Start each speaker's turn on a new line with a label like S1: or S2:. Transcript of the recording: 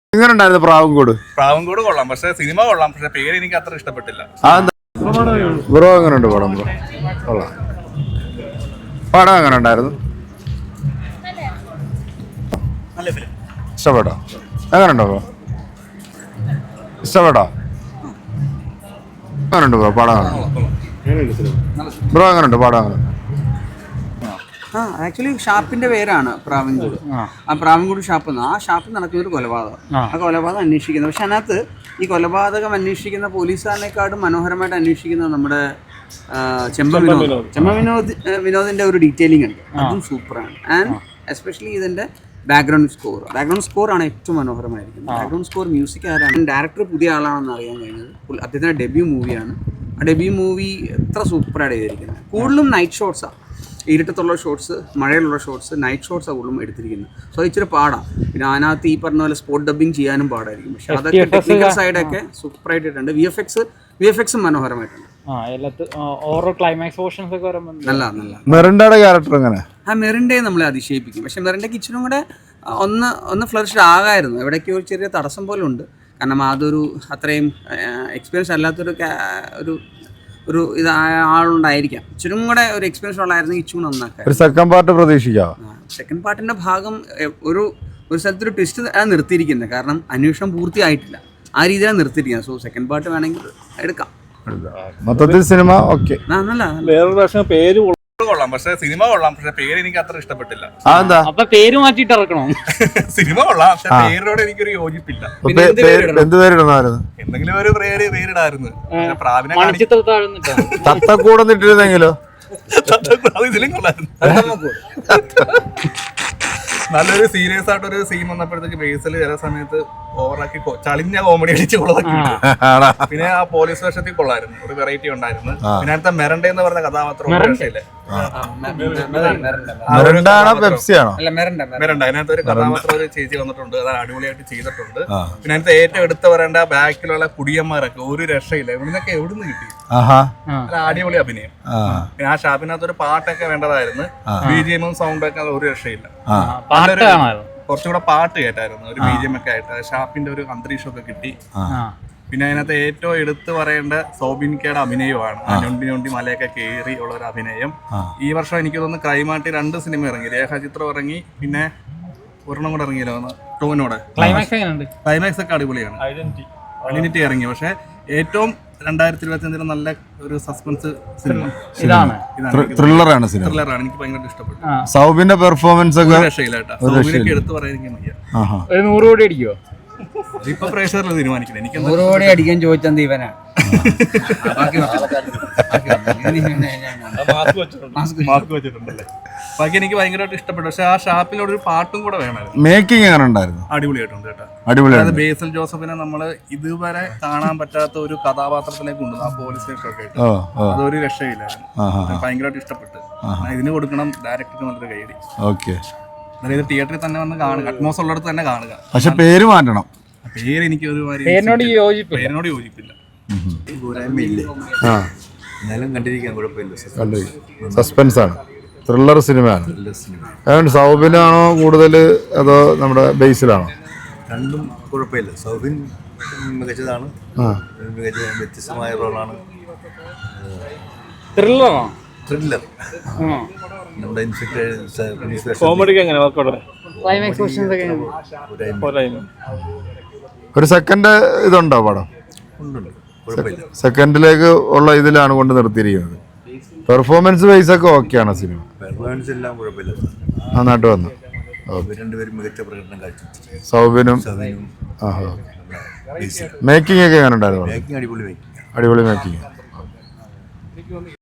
S1: എങ്ങനെയുണ്ടായിരുന്നു പ്രാവൻകൂട്?
S2: പ്രാവൻകൂട് കൊള്ളാം, പക്ഷെ സിനിമ കൊള്ളാം, പക്ഷെ പേര് എനിക്ക് അത്ര ഇഷ്ടപ്പെട്ടില്ല.
S1: ബ്രോ എങ്ങനെയുണ്ട് പടം? ബ്രോ കൊള്ളാം. പടം എങ്ങനെ ഉണ്ടായിരുന്നു? ഇഷ്ടപ്പെട്ടോ? എങ്ങനെയുണ്ടോ ബ്രോ? ഇഷ്ടപ്പെട്ടോ? എങ്ങനെയുണ്ട് ബ്രോ പടം? ബ്രോ എങ്ങനെയുണ്ട് പടം?
S3: ആക്ച്വലി ഷാപ്പിന്റെ പേരാണ് പ്രാവൻകൂട്. ആ പ്രാവൻകൂട് ഷാപ്പ് ആ ഷാപ്പിൽ നടക്കുന്ന ഒരു കൊലപാതകം. ആ കൊലപാതകം അന്വേഷിക്കുന്നത്, പക്ഷെ അതിനകത്ത് ഈ കൊലപാതകം അന്വേഷിക്കുന്ന പോലീസുകാരനെക്കാളും മനോഹരമായിട്ട് അന്വേഷിക്കുന്നത് നമ്മുടെ വിനോദിന്റെ ഒരു ഡീറ്റെയിലിംഗ് ഉണ്ട്. അതും സൂപ്പറാണ്. ആൻഡ് എസ്പെഷ്യലി ഇതിന്റെ ബാക്ക്ഗ്രൗണ്ട് സ്കോർ ആണ് ഏറ്റവും മനോഹരമായിരിക്കുന്നത്. ബാക്ക്ഗ്രൗണ്ട് സ്കോർ മ്യൂസിക് ആരാണ്, ഡയറക്ടർ പുതിയ ആളാണെന്ന് അറിയാൻ കഴിഞ്ഞത്. അദ്ദേഹത്തിന്റെ ഡെബ്യൂ മൂവിയാണ്. ആ ഡെബ്യൂ മൂവി എത്ര സൂപ്പറായിട്ട് ചെയ്തിരിക്കുന്നത്. കൂടുതലും നൈറ്റ് ഷോട്ട്സാണ്, ഇരുട്ടത്തുള്ള ഷോട്ട്സ്, മഴയിലുള്ള ഷോട്ട്സ്, നൈറ്റ് ഷോട്ട്സാണ് കൂടുതലും എടുത്തിരിക്കുന്നത്. സോ ഇച്ചിരി പാടാം. പിന്നെ അതിനകത്ത് ഈ പറഞ്ഞ പോലെ സ്പോട്ട് ഡബിങ് ചെയ്യാനും പാടായിരിക്കും. പക്ഷെ അതൊക്കെ ടെക്നിക്കൽ സൈഡൊക്കെ സൂപ്പറായിട്ടുണ്ട്. വി എഫ് എക്സും മനോഹരമായിട്ടുണ്ട്.
S1: മെറിൻഡയുടെ ക്യാരക്ടർ എങ്ങനെ?
S3: മെറിൻഡയെ നമ്മളെ അതിശയിപ്പിക്കും. പക്ഷെ മെറിൻഡയ്ക്ക് ഇച്ചിരി കൂടെ ഒന്ന് ഫ്ലറിഷ്ഡ് ആകായിരുന്നു. എവിടേക്കോ ഒരു ചെറിയ തടസ്സം പോലെ ഉണ്ട്. കാരണം അതൊരു അത്രയും എക്സ്പീരിയൻസ് അല്ലാത്തൊരു ഒരു ആളുണ്ടായിരിക്കാം. ഇച്ചിരി കൂടെ ഒരു എക്സ്പീരിയൻസ് ഉള്ളായിരുന്നെങ്കിൽ ഇച്ചിരി നന്നാക്കാം.
S1: ഒരു സെക്കൻഡ് പാർട്ട് പ്രതീക്ഷിക്കാം.
S3: സെക്കൻഡ് പാർട്ടിന്റെ ഭാഗം ഒരു സ്ഥലത്തൊരു ട്വിസ്റ്റ് നിർത്തിയിരിക്കുന്നത്. കാരണം അന്വേഷണം പൂർത്തിയായിട്ടില്ല, ആ രീതിയിലാണ് നിർത്തിയിരിക്കുന്നത്. സോ സെക്കൻഡ് പാർട്ട് വേണമെങ്കിൽ എടുക്കാം.
S1: മൊത്തത്തിൽ സിനിമ ഓക്കെ.
S2: വേറൊരു പ്രാവശ്യം പേര് കൊള്ളാം, പക്ഷെ സിനിമ കൊള്ളാം, പക്ഷെ പേര് എനിക്ക് അത്ര ഇഷ്ടപ്പെട്ടില്ല.
S4: അപ്പൊ പേര് മാറ്റിട്ട് ഇറക്കണോ?
S2: സിനിമ കൊള്ളാം, പക്ഷെ പേരിനോട് എനിക്കൊരു യോജിപ്പില്ല.
S1: എന്ത് പേരിടുന്നായിരുന്നു?
S2: എന്തെങ്കിലും ഒരു പേരിടായിരുന്നു.
S1: തത്തക്കൂടന്നിട്ടിരുന്നെങ്കിലോ?
S2: ഇതിലും കൊള്ളായിരുന്നു. നല്ലൊരു സീരിയസ് ആയിട്ടൊരു സീൻ വന്നപ്പോഴത്തേക്ക് ബേസിൽ ചില സമയത്ത് ഓവറാക്കി ചളിഞ്ഞ കോമഡി അടിച്ച് കൊള്ളാക്കി. പിന്നെ ആ പോലീസ് വേഷത്തിൽ കൊള്ളായിരുന്നു, ഒരു വെറൈറ്റി ഉണ്ടായിരുന്നു. പിന്നെ അടുത്ത മെറണ്ട എന്ന് പറഞ്ഞ കഥാപാത്രം രക്ഷയില്ലേ, മെറണ്ട അതിനകത്ത് ഒരു കഥാപാത്രം ഒരു ചേച്ചി വന്നിട്ടുണ്ട്, അത് അടിപൊളിയായിട്ട് ചെയ്തിട്ടുണ്ട്. പിന്നെ അതിനകത്ത് ഏറ്റവും എടുത്തു പറയേണ്ട ബാക്കിലുള്ള കുടിയന്മാരൊക്കെ ഒരു രക്ഷയില്ല. ഇവിടുന്നൊക്കെ എവിടുന്ന് കിട്ടി, അടിപൊളി അഭിനയം. പിന്നെ ആ ഷാപ്പിനകത്ത് ഒരു പാട്ടൊക്കെ വേണ്ടതായിരുന്നു, BGM സൗണ്ടൊക്കെ ഒരു രക്ഷയില്ല. കുറച്ചുകൂടെ പാട്ട് കേട്ടായിരുന്നു, ഒരു BGM ഒക്കെ ആയിട്ട് ഷാപ്പിന്റെ ഒരു അന്തരീക്ഷമൊക്കെ കിട്ടി. പിന്നെ അതിനകത്ത് ഏറ്റവും എടുത്തു പറയേണ്ട സോബിൻകയുടെ അഭിനയമാണ്. ഞൊണ്ടി മലയൊക്കെ കയറി ഉള്ള ഒരു അഭിനയം. ഈ വർഷം എനിക്ക് തോന്നുന്നു ക്രൈമാട്ടി 2 സിനിമ ഇറങ്ങി, രേഖാചിത്രം ഇറങ്ങി, പിന്നെ ഒരെണ്ണം കൂടെ ഇറങ്ങിയല്ലോ ടോവിനോടെ. ക്ലൈമാക്സ് ഒക്കെ അടിപൊളിയാണ്. ഐഡന്റിറ്റി ഇറങ്ങി. പക്ഷെ ഏറ്റവും 2025 നല്ല ഒരു സസ്പെൻസ് സിനിമ
S1: ത്രില്ലറാണ്.
S2: എനിക്ക് ഭയങ്കര ഇഷ്ടപ്പെട്ടു.
S1: സൗബിന്റെ പെർഫോമൻസ് ഒക്കെ
S2: രക്ഷയില്ലാട്ടോ. സൗബിനൊക്കെ എടുത്തു പറയാൻ വയ്യ.
S4: 100 കോടി അടിക്കുവോ?
S2: ഇപ്പൊ പ്രേക്ഷകരിൽ തീരുമാനിക്കണം. എനിക്ക്
S3: 100 കോടി അടിക്കാൻ ചോദിച്ചത് ഇവനാണ്.
S2: മാസ്ക് വെച്ചിട്ടുണ്ടല്ലേ. ബാക്കി എനിക്ക് ഭയങ്കരമായിട്ട് ഇഷ്ടപ്പെട്ടു. പക്ഷെ ആ ഷാപ്പിനോട് ഒരു പാട്ടും കൂടെ വേണമായിരുന്നു.
S1: മേക്കിംഗ് എങ്ങനെ ഉണ്ടായിരുന്നു?
S2: അടിപൊളിയായിട്ടുണ്ട് കേട്ടോ.
S1: അതായത്
S2: ബേസിൽ ജോസഫിനെ നമ്മള് ഇതുവരെ കാണാൻ പറ്റാത്ത ഒരു കഥാപാത്രത്തിലേക്ക് കൊണ്ടുവന്നു. ആ പോലീസ് സ്റ്റേഷൻ ഒക്കെ ആയിട്ട് അതൊരു രക്ഷയില്ലായിരുന്നു. ഭയങ്കരമായിട്ട് ഇഷ്ടപ്പെട്ടു. ഇതിന് കൊടുക്കണം ഡയറക്ടർക്ക് നല്ലൊരു കൈയടി.
S1: ഓക്കെ.
S2: അതായത് തിയേറ്ററിൽ തന്നെ വന്ന് കാണുക, അറ്റ്മോസ് ഉള്ളിടത്ത് തന്നെ കാണുക.
S1: പക്ഷെ പേര് മാറ്റണം.
S2: പേര് എനിക്ക്
S4: പേരിനോട്
S2: യോജിപ്പില്ല.
S5: എന്നാലും കണ്ടിരിക്കാൻ കുഴപ്പമില്ല.
S1: സസ്പെൻസ് ആണ്, ത്രില്ലർ സിനിമയാണ്. അതുകൊണ്ട് സൗബിനാണോ കൂടുതൽ അതോ നമ്മുടെ ബേസിലാണോ?
S5: രണ്ടും കുഴപ്പമില്ല. സൗബിൻ മികച്ചതാണ്, വ്യത്യസ്തമായ റോളാണ്. ത്രില്ലർ നമ്മുടെ
S1: ഒരു സെക്കൻഡ് ഇതുണ്ടോ പടം? സെക്കൻഡിലേക്ക് ഉള്ള ഇതിലാണ് കൊണ്ട് നിർത്തിയിരിക്കുന്നത്. പെർഫോമൻസ് വൈസ് ഒക്കെ ഓക്കെയാണ് സിനിമ.
S5: പെർഫോമൻസ് എല്ലാം കുഴപ്പമില്ല,
S1: നന്നായിട്ട് വന്നു.
S5: രണ്ടുപേരും മികച്ച പ്രകടനം കാഴ്ച.
S1: സൗബിനും മേക്കിംഗ് ഒക്കെ എങ്ങനെ ഉണ്ടായിരുന്നു?
S5: അടിപൊളി
S1: മേക്കിംഗ്.